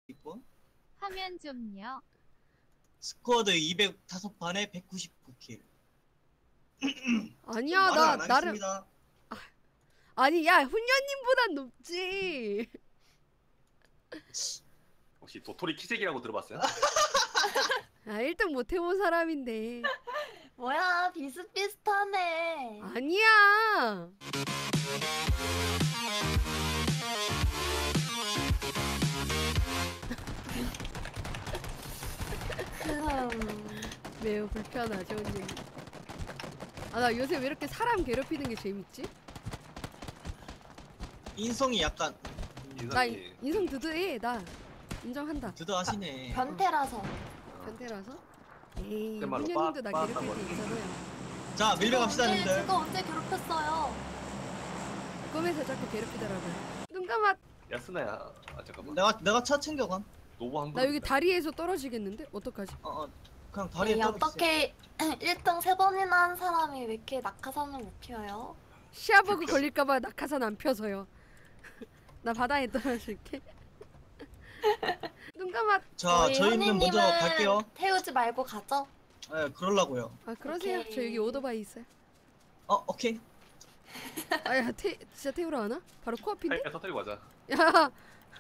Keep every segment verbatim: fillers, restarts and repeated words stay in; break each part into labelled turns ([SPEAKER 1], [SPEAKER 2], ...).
[SPEAKER 1] 있고
[SPEAKER 2] 화면 좀요.
[SPEAKER 1] 스쿼드 이백오 판에 백구십구 킬.
[SPEAKER 3] 아니야 나 나름 아, 아니 야 훈녀님보단 높지.
[SPEAKER 4] 혹시 도토리 키재기라고 들어봤어요?
[SPEAKER 3] 아 일 등 못 해본 사람인데.
[SPEAKER 5] 뭐야 비슷비슷하네.
[SPEAKER 3] 아니야. 매우 불편하죠 언니. 아 나 요새 왜 이렇게 사람 괴롭히는 게 재밌지?
[SPEAKER 1] 인성이 약간
[SPEAKER 3] 나 인성 드드해. 나 인정한다.
[SPEAKER 1] 드드하시네.
[SPEAKER 5] 변태라서.
[SPEAKER 3] 변태라서? 에이
[SPEAKER 4] 그말로
[SPEAKER 3] 훈녀님도 나
[SPEAKER 4] 빠-
[SPEAKER 3] 괴롭힐 때
[SPEAKER 4] 빠았단
[SPEAKER 3] 있잖아요.
[SPEAKER 1] 자 밀려 갑시다
[SPEAKER 5] 언제,
[SPEAKER 1] 님들.
[SPEAKER 5] 제가 언제 괴롭혔어요?
[SPEAKER 3] 꿈에서 자꾸 괴롭히더라고요. 눈 감아.
[SPEAKER 4] 야 스나야. 아 잠깐만.
[SPEAKER 1] 내가 내가 차 챙겨감.
[SPEAKER 4] 노보 한 번.
[SPEAKER 3] 나 여기 다리에서 떨어지겠는데? 어떡하지?
[SPEAKER 1] 어, 어 그냥 다리에
[SPEAKER 5] 아니,
[SPEAKER 1] 떨어졌어.
[SPEAKER 5] 어떻게 일 등 세 번이나 한 사람이 왜 이렇게 낙하산을 못 피워요?
[SPEAKER 3] 시야버그 걸릴까봐 낙하산 안 펴서요. 나 바다에 떨어질게. 눈 감아.
[SPEAKER 1] 자
[SPEAKER 5] 저희
[SPEAKER 1] 저희는 먼저
[SPEAKER 5] 현희님은
[SPEAKER 1] 갈게요.
[SPEAKER 5] 태우지 말고 가죠?
[SPEAKER 1] 예 그럴라고요.
[SPEAKER 3] 아 그러세요.
[SPEAKER 5] 오케이.
[SPEAKER 3] 저 여기 오토바이 있어요.
[SPEAKER 1] 어 오케이.
[SPEAKER 3] 아야 태 진짜 태우러 가나? 바로 코앞인데?
[SPEAKER 4] 타이어 터뜨리고 가자.
[SPEAKER 3] 야.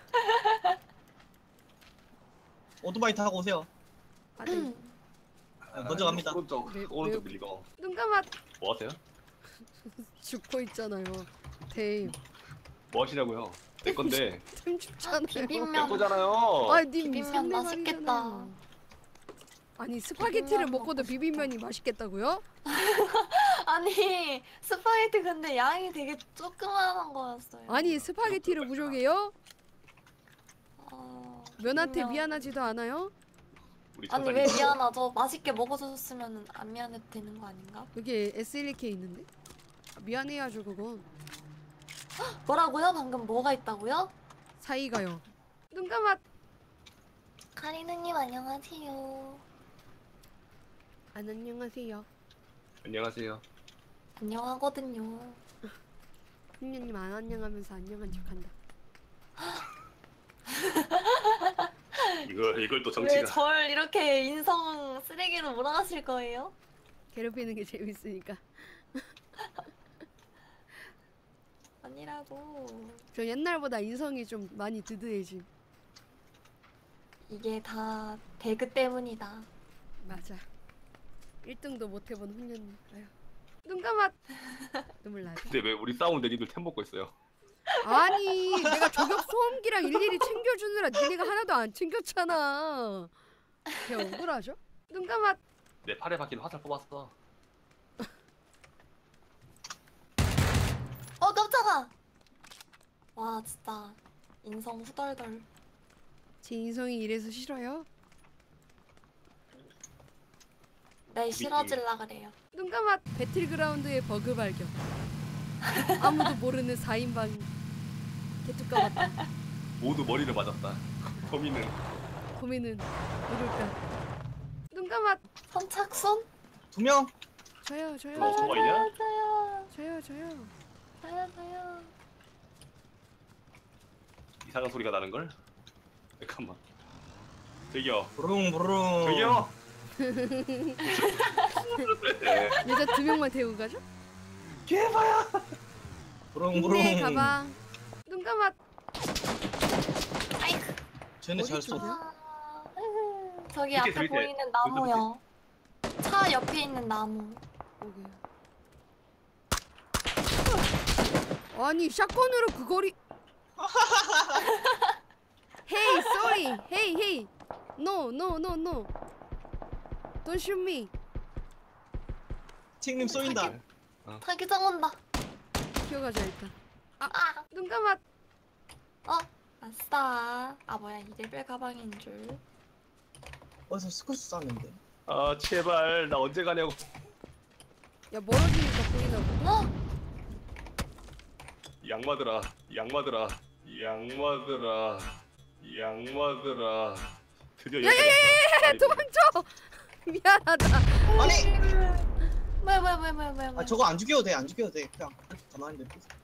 [SPEAKER 1] 오토바이 타고 오세요.
[SPEAKER 3] 아, 네.
[SPEAKER 1] 아, 먼저 갑니다.
[SPEAKER 4] 오른쪽
[SPEAKER 3] 네,
[SPEAKER 4] 오른쪽
[SPEAKER 3] 네.
[SPEAKER 4] 밀리고.
[SPEAKER 3] 눈 감아.
[SPEAKER 4] 뭐 하세요?
[SPEAKER 3] 죽고 있잖아요. 대.
[SPEAKER 4] 뭐 하시냐고요? 내 건데.
[SPEAKER 3] 템 춥잖아요.
[SPEAKER 4] 내
[SPEAKER 5] 비빔면.
[SPEAKER 4] 거잖아요.
[SPEAKER 3] 아, 님
[SPEAKER 5] 비빔면
[SPEAKER 3] 상대
[SPEAKER 5] 맛있겠다.
[SPEAKER 3] 말이잖아요. 아니 스파게티를
[SPEAKER 5] 비빔면
[SPEAKER 3] 먹고도
[SPEAKER 5] 먹고
[SPEAKER 3] 비빔면이 맛있겠다고요?
[SPEAKER 5] 아니 스파게티 근데 양이 되게 조그만한 거였어요.
[SPEAKER 3] 아니 스파게티를 부족해요?
[SPEAKER 5] 어,
[SPEAKER 3] 면한테
[SPEAKER 5] 비빔면.
[SPEAKER 3] 미안하지도 않아요?
[SPEAKER 4] 우리
[SPEAKER 5] 아니
[SPEAKER 4] 천사님.
[SPEAKER 5] 왜 미안하죠? 맛있게 먹어줬으면 안 미안해도 되는 거 아닌가?
[SPEAKER 3] 여기 에스 일 케이 있는데? 아, 미안해야죠 그건.
[SPEAKER 5] 뭐라고요? 방금 뭐가 있다고요?
[SPEAKER 3] 사이가요. 눈 감아.
[SPEAKER 5] 카리누님 안녕하세요.
[SPEAKER 3] 안 안녕하세요.
[SPEAKER 4] 안녕하세요.
[SPEAKER 5] 안녕하거든요.
[SPEAKER 3] 훈녀님 안 안녕하면서 안녕한 척한다.
[SPEAKER 4] 이걸 이걸 또
[SPEAKER 5] 왜
[SPEAKER 4] 정치가.
[SPEAKER 5] 절 이렇게 인성 쓰레기로 몰아가실 거예요?
[SPEAKER 3] 괴롭히는 게 재밌으니까.
[SPEAKER 5] 아니라고.
[SPEAKER 3] 저 옛날보다 인성이 좀 많이 드드해짐.
[SPEAKER 5] 이게 다 배그 때문이다.
[SPEAKER 3] 맞아. 일 등도 못 해본 훈녀님. 아유. 눈 감아. 눈물 나죠.
[SPEAKER 4] 근데 왜 우리 싸우는데 니들 템 먹고 있어요?
[SPEAKER 3] 아니 내가 저격 소음기랑 일일이 챙겨주느라 니네가 하나도 안 챙겼잖아. 그냥 억울하죠? 눈 감아.
[SPEAKER 4] 내 팔에 박힌 화살 뽑았어.
[SPEAKER 5] 어 깜짝아. 와 진짜 인성 후덜덜.
[SPEAKER 3] 제 인성이 이래서 싫어요?
[SPEAKER 5] 네 싫어질라 그래요.
[SPEAKER 3] 눈 감아. 배틀그라운드의 버그 발견. 아무도 모르는 사 인방 개뚜까 같다.
[SPEAKER 4] 모두 머리를 맞았다. 범인은
[SPEAKER 3] 고민은 누굴까? 눈 감아.
[SPEAKER 5] 선착순?
[SPEAKER 1] 두 명.
[SPEAKER 3] 저요 저요
[SPEAKER 4] 뭐,
[SPEAKER 3] 저요
[SPEAKER 4] 뭐가 있냐?
[SPEAKER 5] 저요
[SPEAKER 3] 저요 저요.
[SPEAKER 5] 저요 저요.
[SPEAKER 4] 이상한 소리가 나는 걸? 잠깐만. 저기요.
[SPEAKER 1] 부릉부릉.
[SPEAKER 4] 저기요. 네.
[SPEAKER 3] 여자 두 명만 태우고 가죠?
[SPEAKER 4] 개봐야.
[SPEAKER 1] 부릉부릉.
[SPEAKER 3] 네 가방. 눈 감아.
[SPEAKER 5] 아이쿠.
[SPEAKER 1] 쟤네 잘
[SPEAKER 3] 어디
[SPEAKER 1] 쏘.
[SPEAKER 3] 쪽이야?
[SPEAKER 5] 아, 으흐. 저기
[SPEAKER 4] 밑에,
[SPEAKER 5] 앞에
[SPEAKER 4] 밑에.
[SPEAKER 5] 보이는 나무요. 차 옆에 있는 나무.
[SPEAKER 3] 오케이. 아니 샷건으로 그 거리. Hey, sorry. Hey, hey. No, no, no, no. Don't shoot me.
[SPEAKER 1] 팅님 쏘인다.
[SPEAKER 5] 타기장 온다.
[SPEAKER 3] 기어가자 일단.
[SPEAKER 5] 아,
[SPEAKER 3] 눈 감아.
[SPEAKER 5] 어, 아싸. 아 뭐야 이 레벨 가방인 줄.
[SPEAKER 1] 어디서 스쿠스 쐈는데.
[SPEAKER 4] 아 제발 나 언제 가냐고.
[SPEAKER 3] 야 멀어지니까 보이나 보다.
[SPEAKER 5] 어,
[SPEAKER 4] 양마들아, 양마들아, 양마들아, 양마들아. 드디어 여기까지.
[SPEAKER 3] 야야야야야 도망쳐. 미안하다.
[SPEAKER 1] 아니.
[SPEAKER 5] 뭐야 뭐야 뭐야 뭐야 뭐야.
[SPEAKER 1] 아 저거 안 죽여도 돼. 안 죽여도 돼. 그냥 가만히 냅둬.